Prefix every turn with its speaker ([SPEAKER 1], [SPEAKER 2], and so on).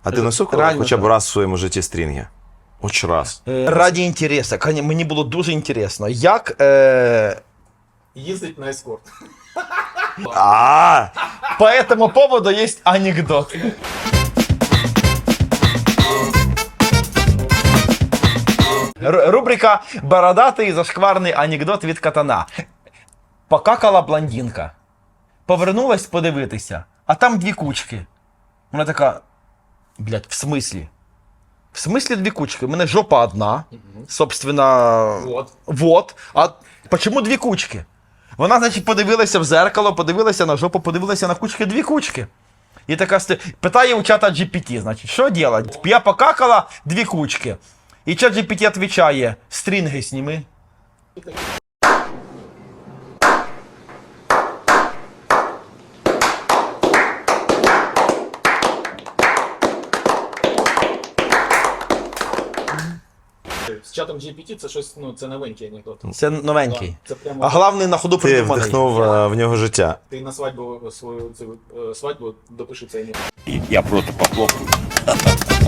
[SPEAKER 1] А ти носив
[SPEAKER 2] Реально
[SPEAKER 1] хоча б
[SPEAKER 2] так.
[SPEAKER 1] раз в своєму житті стрінги? Хоч раз.
[SPEAKER 2] Раді інтересу. Мені було дуже інтересно. Як
[SPEAKER 3] Їздить на ескорт.
[SPEAKER 1] А,
[SPEAKER 2] по этому поводу есть анекдот. Рубрика «Бородатий зашкварний анекдот від катана». Покакала блондинка. Повернулась подивитися, а там дві кучки. Вона така, блядь, в смислі? В смислі дві кучки? У мене жопа одна, собственно, вот. А почему дві кучки? Вона, значить, подивилася в зеркало, подивилася на жопу, подивилася на кучки, дві кучки. І така питає у чата GPT, значить, що делать? Я покакала, дві кучки. І чат GPT відповідає, стрінги сніми.
[SPEAKER 3] З чатом GPT це щось, ну, це новенький анекдот.
[SPEAKER 2] Це новенький.
[SPEAKER 3] Це прямо
[SPEAKER 2] А головний на ходу
[SPEAKER 1] ти
[SPEAKER 2] придуманий.
[SPEAKER 1] вдихнув в нього життя.
[SPEAKER 3] ти на свадьбу свою цю свадьбу допиши цей анекдот.
[SPEAKER 4] Я просто похлопаю.